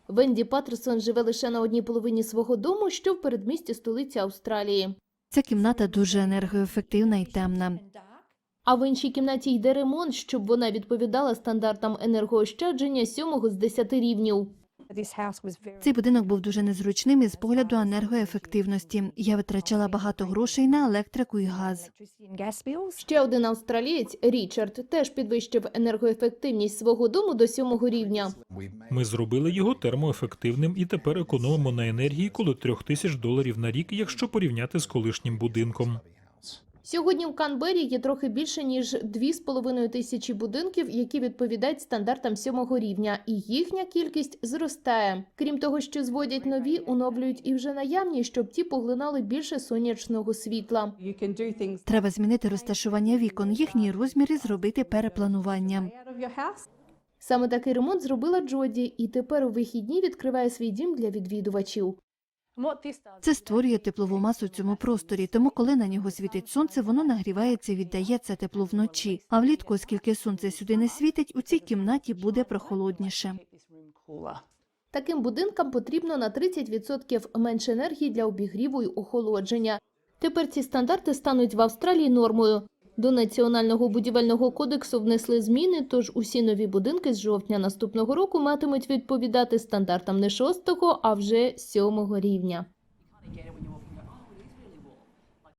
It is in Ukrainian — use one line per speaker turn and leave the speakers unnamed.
Венді Паттерсон живе лише на одній половині свого дому, що в передмісті столиці Австралії.
Ця кімната дуже енергоефективна і темна.
А в іншій кімнаті йде ремонт, щоб вона відповідала стандартам енергоощадження 7 з 10 рівнів.
Цей будинок був дуже незручним із погляду енергоефективності. Я витрачала багато грошей на електрику і газ.
Ще один австралієць, Річард, теж підвищив енергоефективність свого дому до 7 рівня.
Ми зробили його термоефективним і тепер економимо на енергії коло $3000 на рік, якщо порівняти з колишнім будинком.
Сьогодні в Канбері є трохи більше, ніж 2500 будинків, які відповідають стандартам 7 рівня, і їхня кількість зростає. Крім того, що зводять нові, оновлюють і вже наявні, щоб ті поглинали більше сонячного світла.
Треба змінити розташування вікон, їхній розмір і зробити перепланування.
Саме такий ремонт зробила Джоді, і тепер у вихідні відкриває свій дім для відвідувачів.
Це створює теплову масу в цьому просторі, тому коли на нього світить сонце, воно нагрівається і віддає це тепло вночі. А влітку, оскільки сонце сюди не світить, у цій кімнаті буде прохолодніше.
Таким будинкам потрібно на 30% менше енергії для обігріву й охолодження. Тепер ці стандарти стануть в Австралії нормою. До Національного будівельного кодексу внесли зміни, тож усі нові будинки з жовтня наступного року матимуть відповідати стандартам не 6-го, а вже 7-го рівня.